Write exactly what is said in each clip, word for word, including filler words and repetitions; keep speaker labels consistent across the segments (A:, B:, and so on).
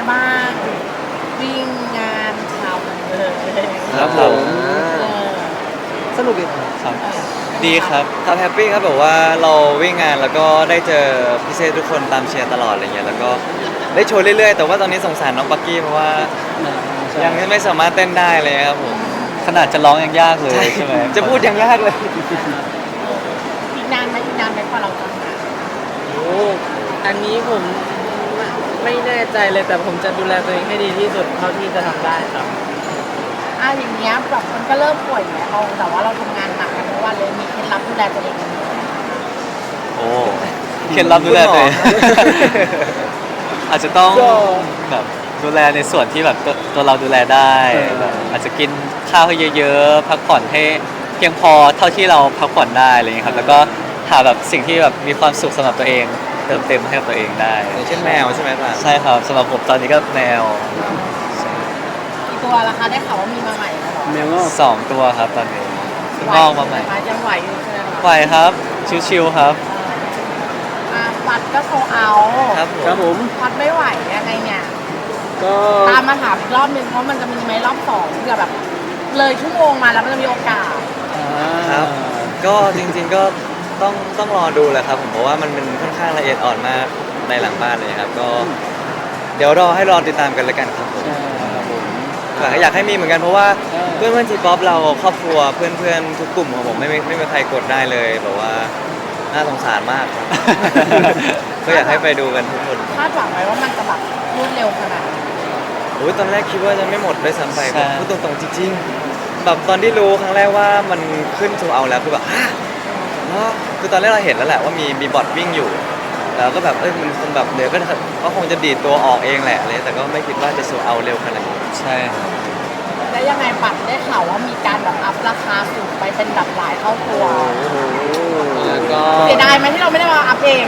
A: บ้างวิ่งงานทำเลย
B: ครับผม
A: เออ
B: สนุกดี
C: ครับดีครับ
B: ครับแฮปปี้ครับแบบว่าเราวิ่งงานแล้วก็ได้เจอพี่เซทุกคนตามเชียร์ตลอดอะไรเงี้ยแล้วก็ได้โชว์เรื่อยๆแต่ว่าตอนนี้สงสารน้องปักกี้เพราะว่ายังไม่สามารถเต้นได้เลยครับผม
C: ขนาดจะร้องยังยากเลยใช่ไหม
B: จะพูดยังยากเลย
A: อีกนานไหมอีกนานไหมกว่าเราจะทำงาน
D: โอ้อันนี้ผมไม่แน่ใจเลยแต่ผมจะดูแลตัวเองให้ดีที่สุดเท่าที่จะทำได้ครับ
A: อ่ะอย่างเงี้ยแบบมันก็เริ่มป่วยแล้วเราแต่ว่าเราทำงานหนักกันทุกวันเลยมีเคล็ดลับดูแลตัวเองยังไง
C: โอ้เคล็ดลับดูแลตัวเอง อาจจะต้องแบบดูแลในส่วนที่แบบตัวตัวเราดูแลได้แบบอาจจะกินข้าวให้เยอะๆพักผ่อนให้เพียงพอเท่าที่เราพักผ่อนได้อะไรอย่างเงี้ยครับแล้วก็หาแบบสิ่งที่แบบมีความสุขสำหรับตัวเอง เติมเต็มให้กับตัวเองได้
B: อย่างเช่นแมวใช่ไหมป่ะ
C: ใช่ครับสำหรับผมตอนนี้ก็แมว
A: กี่ตัวราคาได้ข่าวว่ามีมาใหม่แล้วเหรอ
D: แมวงอก
C: สองตัวครับตอนนี้เพิ่งงอกมาใหม่
A: ไหวอยู่ยังไหวอยู่ใช่ไหมคะ
C: ไหวครับชิวๆครับ
A: อ่ะวัดก็โซเอา
B: ครับผม
D: ครับผม
A: วัดไม่ไหวยังไงเนี่ย
D: ก็
A: ตามมาถามอีกรอบนึงเพราะมันจะมีไหมรอบสองเผื่อแบบ เลยชั่วโมงมาแล้วมันจะมีโอกาส
B: ครับ ก็จริงๆก็ต้องต้องรอดูแหละครับผมเพราะว่ามันเป็นค่อนข้างละเอียดอ่อนมากในหลังบ้านเลยครับก็เดี๋ยวรอให้รอติดตามกันแล้วกันครับผม
D: ครับผม
B: อยากให้มีเหมือนกันเพราะว่า
D: ใช่
B: เพื่อนเพื่อนทีป๊อปเราครอบครัวเพื่อนเพื่อนทุกกลุ่มของผมไม่ไม่ไม่มีใครกดได้เลยแบบว่าน่าสงสารมากครับ ก็อยากให้ไปดูกันทุกคน
A: คาดหวังไว้ว่ามันจะแบบรวดเร็วขนาดไหน
B: โอ้ยตอนแรกคิดว่าจะไม่หมดด้วยซ้ำไป
C: ใช่
B: พูดตรงๆจริงๆแบบตอนที่รู้ครั้งแรกว่ามันขึ้นโชว์เอาแล้วคือแบบฮะเหรอคือตอนแรกเราเห็นแล้วแหละว่ามีมีบอทวิ่งอยู่แล้วก็แบบเอ้ยมันคงแบบเดี๋ยวก็ก็คงจะดีดตัวออกเองแหละเลยแต่ก็ไม่คิดว่าจะโชว์เอาเร็วขนาดนี้
C: ใช่ครับ
A: แล้วยังไงปัดได้ข่าวว่ามีการแบบอัพราคาสูงไปเป็นแบบหลายเท่าตัว
D: แล้วก็
A: เสียดายไหมที่เราไม่ได้มาอัพเอง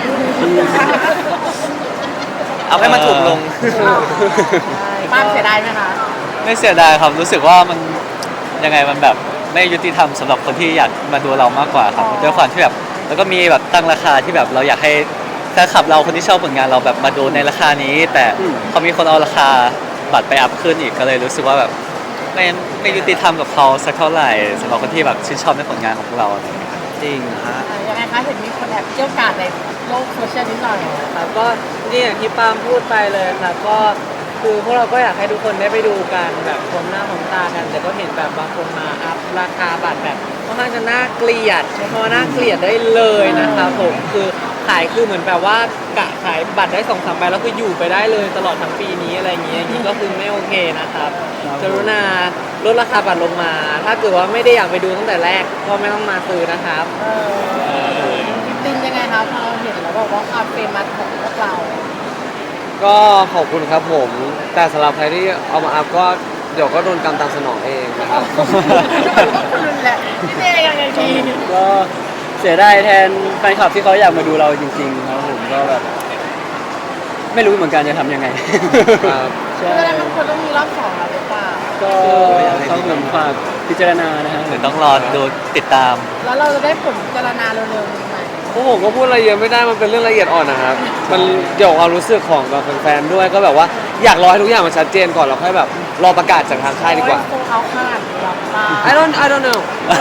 B: เอาให้มันถูกลง
A: ป้ามเสียดายไหมคะ
C: ไม่เสียดายครับรู้สึกว่ามันยังไงมันแบบไม่ยุติธรรมสำหรับคนที่อยากมาดูเรามากกว่าครับด้วยความที่แบบแล้วก็มีแบบตั้งราคาที่แบบเราอยากให้แฟนคลับเราคนที่ชอบผลงานเราแบบมาดูในราคานี้ แต่พอมีคนเอาราคาบัตรไปอัพขึ้นอีกก็เลยรู้สึกว่าแบบไม่ไม่ยุติธรรมกับเขาสักเท่าไหร่สำหรับคนที่แบบชื่นชอบในผลงานของพวกเราอะไรอย่างเงี้ย
B: จริงฮะ
A: อ่ายังไงคะเห็นมีคนแอบเกี่ยวกาดในโลกโซเชียลนิดหน่อย
D: ครับก็นี่อย่างที่ปาล์มพูดไปเลยครับก็คือพวกเราก็อยากให้ทุกคนได้ไปดูกันแบบพร้อมหน้าพร้อมตากัน แต่ก็เห็นแบบบางคนมาอัพราคาบัตรแบบค่อนข้างจะน่าเกลียดใช้คำว่าน่าเกลียดได้เลยนะครับผมคือขายคือเหมือนแบบว่ากะขายบัตรได้สองสามใบแล้วคืออยู่ไปได้เลยตลอดทั้งปีนี้อะไรอย่างเงี้ยอย่างนี้ก็คือไม่โอเคนะครับกรุณาลดราคาบัตรลงมา ถ้าเกิดว่าไม่ได้อยากไปดูตั้งแต่แรกก็ไม่ต้องมาซื้อนะครับ
A: เออตินยังไงคะพอเราเห็นแล้วบอกว่าความเฟมัสของพวกเรา
E: ก็ขอบคุณครับผม แต่สำหรับใครที่เอามาอัพก็เดี๋ยวก็โดนกรรมตามสนองเองนะครับ
A: คุณแหละพี่เต้ยังไงดี
D: ก็เสียดายแทนแฟนคลับที่เขาอยากมาดูเราจริงๆครับผมก็แบบไม่รู้เหมือนกันจะทำยังไง
E: ครับ
A: เพื่อนมันควรต้องมีรอบสองแล้วหรือเปล่า
D: ก็ต้องเหมือนฝากพิจารณานะฮะ
C: หรือต้องรอดูติดตาม
A: แล้วเราจะได้ผลพิจารณาเร็วๆนี้ไหม
E: พวกผมก็พูดอะไรเยอะไม่ได้มันเป็นเรื่องละเอียดอ่อนนะครับ มันเกี่ยวกับความรู้สึกของแบบแฟนๆด้วยก็แบบว่าอยากรอให้ทุกอย่างมันชัดเจนก่อนแล้วค่อยแบบรอประกาศจากทางค่ายดีกว่า
A: โซเอาขนาดนี้หรอป้า
E: I don't I don't know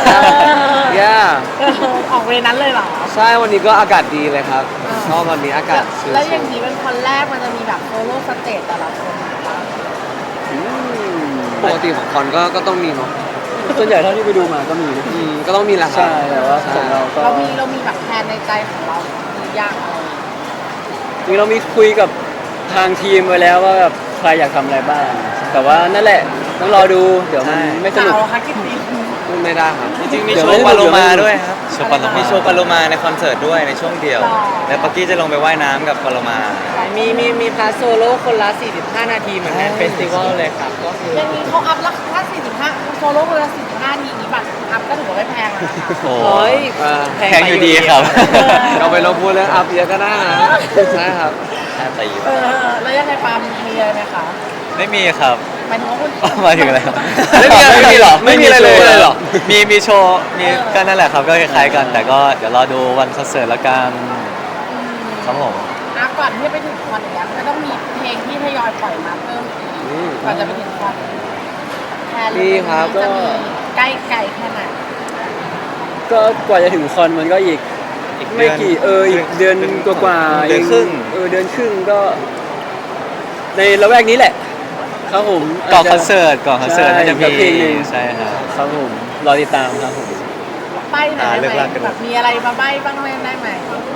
E: yeah
A: ออกเวนั้นเลยเหรอ
E: ใช่วันนี้ก็อากาศดีเลยครับชอบวันนี้อากาศชิลๆ
A: แล้วอย่างนี้เป็นคนแรกมันจะมีแบบโซโล่สเตจแต่ละคน
E: อืมปกติของคอนก็ก็ต้องมีเนาะ
D: ส่วนใหญ่เท่าที่ไปดูมาก็มี
E: อืมก็ต้องมีแหละครับ
D: ใช่แต่ว่าของเราก็
A: เรามีเรามีแบบแพลนในใจของเรามีอยากอะไร
D: จริงเรามีคุยกับทางทีมไว้แล้วว่าแบบใครอยากทำอะไรบ้าง แต่ว่านั่นแหละต้องรอดูเดี๋ยวมันไม่สนุก
A: เก่าค่ะคิดดี
E: พูดไม่ได้ครับ
B: จริงๆมี
D: เดี๋
B: โช
D: ยว
B: ว์
D: ไม่
B: ปา
D: ได้
B: โล
D: เดี๋ยวไม่
B: มา
D: ได้
B: ด้วยครับ
C: โชว์ปาโลมา
B: มีโชว์ปาโลมาในคอนเสิร์ตด้วยในช่วงเดียว แล้วปักกี้จะลงไปว่ายน้ำกับปาโลมา
D: มีมีมีพาร์ทโซโล่คนละสี่สิบห้านาทีเหมือนงานเฟสติวัลเลยครับก็คือ
A: อย่างนี้เขาอัพราคาสี่สิบห้าโซโล่คนละสี่สิบห้าทีนี้บัตรอัพก็ถือว่าไม่แพงแล้วนะคะ
C: โอ้
D: โอ้ย
E: อ่า
C: แพงอยู่ดีครับ
E: เราไปลบพูดเรื่องอัพเยอะก็ได้นะใช่ครับ
B: แอบตี
A: เออแล้วยังไงปาล์มมีอะไรไหมคะ
C: ไม่มีครับ
A: หมายถึงว่าคุณ
C: หมายถึงอะไรครับ
E: ไม่มีอะไร
C: ไม่มีหรอ
E: ไม่มีอะไรเลย
C: โชว์
E: เลยเหรอ
C: มีมีโชว์มีก็นั่นแหละครับก็คล้ายๆกัน แต่ก็เดี๋ยวรอดูวันคอนเสิร์ตละกันครับผม
A: อ่ะก่อนที่จะไปถึงคอนอย่างเงี้ยก็ต้องมีเพลงที่ทยอยปล่อยมาเพิ่มอีก
E: อืม
A: ก่อนจะไปถึงคอนแทน
E: ดีครับ
A: จะมี
E: ก็
A: ใกล้ไกลแค่ไหน
F: ก็กว่าจะถึงคอนมันก็อีก
B: อีก
F: ไม่กี่เอออีกเดือนกว่าๆ
B: เดือนครึ่ง
F: เออเดือนครึ่งก็ ในละแวกนี้แหละ ครับผม
C: ก่อนคอนเสิร์ตก่อนคอนเสิร์ตน่าจะมี
F: ใช่เพลงหนึ่ง
C: ใช่ครับ
F: ครับผมรอติดตามครับผม
A: ใบ้หน่อย
B: อ่า
A: ได้
B: เลิก
A: ไหม
B: ลากกันหมด
A: แบบมีอะไรมาใบ้บ้างไหมได้ไหม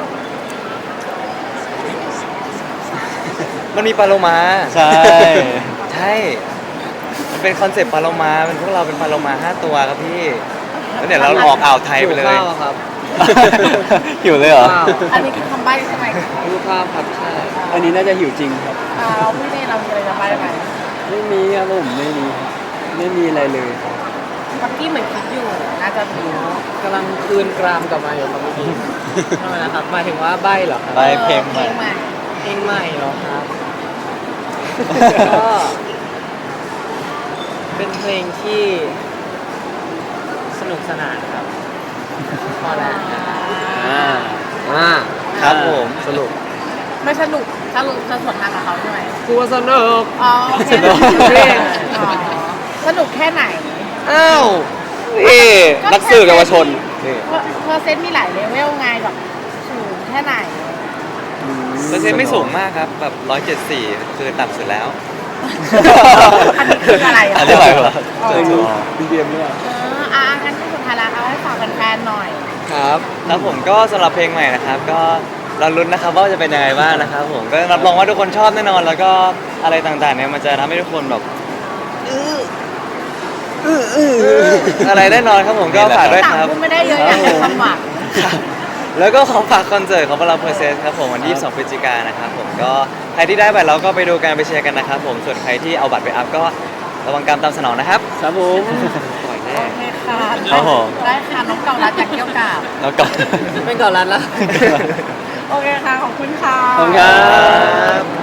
B: มันมีปลาโลมา
C: ใช่
B: ใช่ มันเป็นคอนเซปต์ปลาโลมาเป็นพวกเราเป็นปลาโลมาห้าตัวครับพี่แล้วเดี๋ยวเราออกอ่าวไทยไปเลย
E: ข้าวอะครับ
C: หิวเลยเหรอ
E: ข้าว
A: อันนี้คือคำใบ้ใช่ไหม
E: รูปภาพครับใช่
F: อันนี้น่าจะหิวจริงครับ
A: อ่าเราพี่เน่เรามีอะไรจะใบ้ไหม
F: ไม่มีครับผมไม่มีไม่มีอะไรเลยครับ
A: เมื่อกี้เหมือนคิดอยู่น่าจะมีเนาะ
D: กำลังคืนกรามกลับมาอยู่ครับเมื่อกี้ทำไมนะครับหมายถึงว่าใบเหรอครับ
C: ใบ้ เพลงใหม่
A: เพลงใหม่
D: เพลงใหม่เหรอครับ ก็เป็นเพลงที่สนุกสนานครับพอแล้ว
F: อ่า
E: อ่า
B: ครับผม
E: สรุป
A: ไม่สนุกสรุปจะสวนทางกับเขาใช่ไหม
E: ครัวสนุก
A: อ๋อโอเค
E: สนุกเพลง
A: อ๋อสนุกแค่ไหน
E: อ้าวนี่นักสื่อเยาวชนนี่
A: เพราะเพอร์เซนต์มีหลายเลเวลไงแบบสูงแค่ไหน
B: เปอร์เซ็นต์ไม่สูงมากครับแบบร้อยเจ็ดสี่คือต่ำสุดแล้ว
A: อันนี้คืออะไรอ่ะ
C: อันนี้อะไรวะ
A: อ๋อ
F: ไม่รู้บีบีเอ็มหรือเปล่า
A: เอออ่ะงั้นสุดท้ายแล้วเอาให้ฝากแฟนๆหน่อย
E: ครับ
B: ครับผมก็สำหรับเพลงใหม่นะครับ ก็เราลุ้นนะครับว่าจะเป็นยังไงบ้างนะครับผมก็รับรองว่าทุกคนชอบแน่นอน แล้วก็อะไรต่างๆเนี่ยมันจะทำให้ทุกคนแบบอะไรแน่นอนครับผมก็ฝากด้วย
A: ต่าง
B: ครับ
A: พูดไม่ได้เยอะอย่างแต่ความหวัง
B: แล้วก็ขอฝากคอนเสิร์ตของพวกเราเพอร์เซสครับผมวันที่ยี่สิบสองพฤศจิกายนนะครับผมก็ใครที่ได้บัตรเราก็ไปดูกันไปเชียร์กันนะครับผมส่วนใครที่เอาบัตรไปอัพก็ระวังกรรมตามสนองนะครับ
F: ครับผม
E: ปล่อยแน่
A: โอเคค่ะ
C: ครับผม
A: ได้ค่ะน้องเก่ารัดจากเกี่ยวกาบ
C: แล้วก่อน
D: เป็นเก่ารันแล้ว
A: โอเคค่ะ ขอบคุณค่ะ
F: ขอบคุณครับ